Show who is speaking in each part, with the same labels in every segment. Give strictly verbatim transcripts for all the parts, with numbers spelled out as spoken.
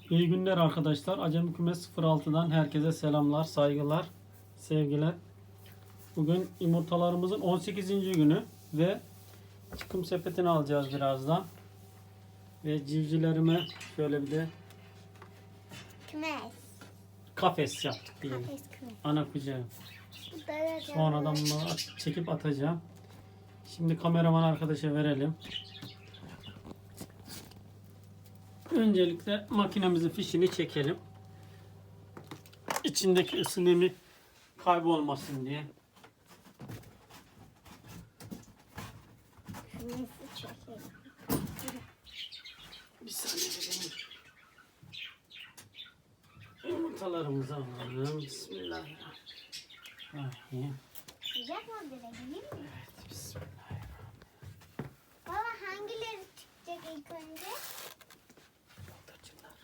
Speaker 1: İyi günler arkadaşlar. Acemi Kümes sıfır altıdan herkese selamlar, saygılar, sevgiler. Bugün yumurtalarımızın on sekizinci günü ve çıkım sepetini alacağız birazdan. Ve civcivlerime şöyle bir de
Speaker 2: Kümes.
Speaker 1: kafes yaptık diyelim.
Speaker 2: Kafes kümes.
Speaker 1: Ana kucağı.
Speaker 2: Böyle
Speaker 1: Sonradan bunları at- çekip atacağım. Şimdi kameraman arkadaşa verelim. Öncelikle makinemizin fişini çekelim. İçindeki ısı nemi kaybolmasın diye.
Speaker 2: Kümesi çekelim.
Speaker 1: Bir saniye vereyim. Yumurtalarımızı alalım. Bismillahirrahmanirrahim.
Speaker 2: Sıcak mı direkt değil mi?
Speaker 1: Evet, bismillahirrahmanirrahim.
Speaker 2: Baba hangileri çıkacak ilk önce?
Speaker 1: Bıldırcınlar.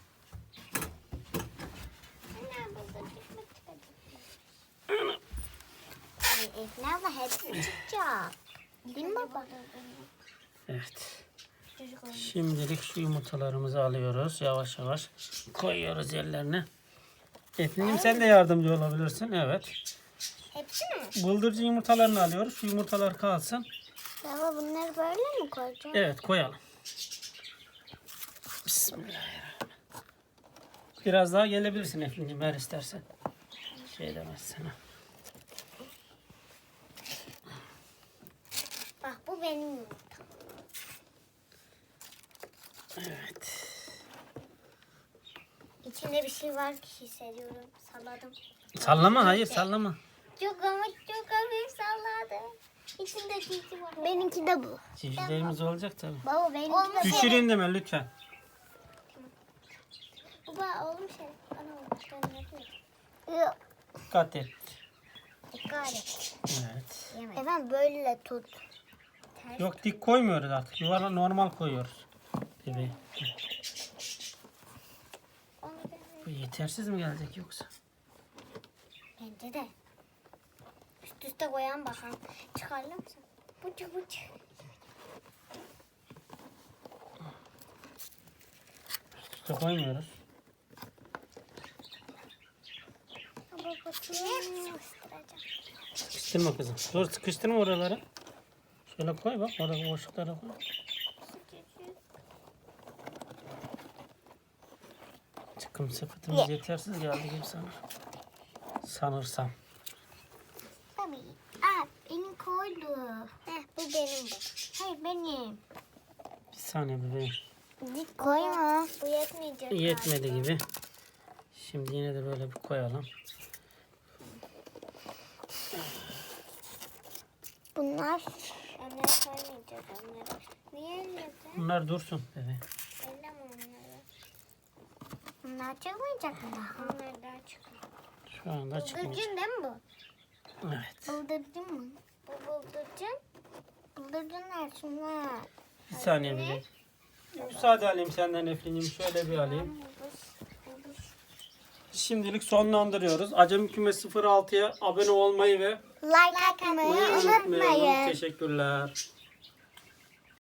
Speaker 2: Anne bıldırcık mı çıkacak? Ay Efne abla hepsi çıkacak. Değil mi baba?
Speaker 1: Evet. Şimdilik şu yumurtalarımızı alıyoruz. Yavaş yavaş koyuyoruz yerlerine. Efendim sen de yardımcı olabilirsin. Evet.
Speaker 2: Hepsi mi?
Speaker 1: Bıldırcın yumurtalarını alıyoruz. Şu yumurtalar kalsın.
Speaker 2: Baba bunları böyle mi koyacağım?
Speaker 1: Evet, koyalım. Bismillahirrahmanirrahim. Biraz daha gelebilirsin efendim eğer istersen. Şey demez sana.
Speaker 2: Bak bu benim yumurtam.
Speaker 1: Evet.
Speaker 2: İçinde bir şey var ki hissediyorum. Salladım.
Speaker 1: Sallama, hayır sallama.
Speaker 2: Çok ama çok hafif salladım. İçinde tilki var. Benimki de bu.
Speaker 1: Civcivlerimiz olacak tabii.
Speaker 2: Baba benimki de
Speaker 1: Düşüreyim deme lütfen.
Speaker 2: Baba oğlum şey. Bana oğlum. Ben yapıyorum. Yok.
Speaker 1: Dikkat et.
Speaker 2: Dikkat et.
Speaker 1: Evet.
Speaker 2: Efendim böyle tut. Ters.
Speaker 1: Yok, dik koymuyoruz artık. Yuvarla normal koyuyoruz. Bebeği.
Speaker 2: Onu ben-
Speaker 1: Bu yetersiz mi gelecek yoksa?
Speaker 2: Bence de. Üst üste koyan bakalım. Çıkarlar mısın? Bucu bucu.
Speaker 1: Üste koymuyoruz.
Speaker 2: Baba bakayım.
Speaker 1: Sıkıştırma kızım. Dur, sıkıştırma oraları. Şöyle koy bak. Orada boşluklara koy. Çıkım sepetimiz yetersiz geldi gibi sanır. Sanırsam.
Speaker 2: Tabii. Aa benim koydu. Heh bu benim bu. Hayır benim.
Speaker 1: Bir saniye bebeğim.
Speaker 2: Dik koyma. Bu yetmeyecek.
Speaker 1: Yetmedi gibi. Şimdi yine de böyle bir koyalım.
Speaker 2: Bunlar. Onları koymayacağız onları. Niye öyle?
Speaker 1: Bunlar dursun bebeğim.
Speaker 2: Elleme onları. Bunlar çıkmayacak mı daha? Onlar daha çıkıyor.
Speaker 1: Şu anda çıkmayacak.
Speaker 2: Bıldırcın değil mi bu?
Speaker 1: Evet.
Speaker 2: Bıldırcın mı? Bu bıldırcın. Bıldırcınlar şunlar.
Speaker 1: Bir saniye bebeğim. Müsaade alayım senden Eflin'cim. Şöyle bir alayım. Şimdilik sonlandırıyoruz. Acemi Kümes sıfır altıya abone olmayı ve
Speaker 2: Like atmayı
Speaker 1: unutmayalım.
Speaker 2: unutmayın.
Speaker 1: Teşekkürler.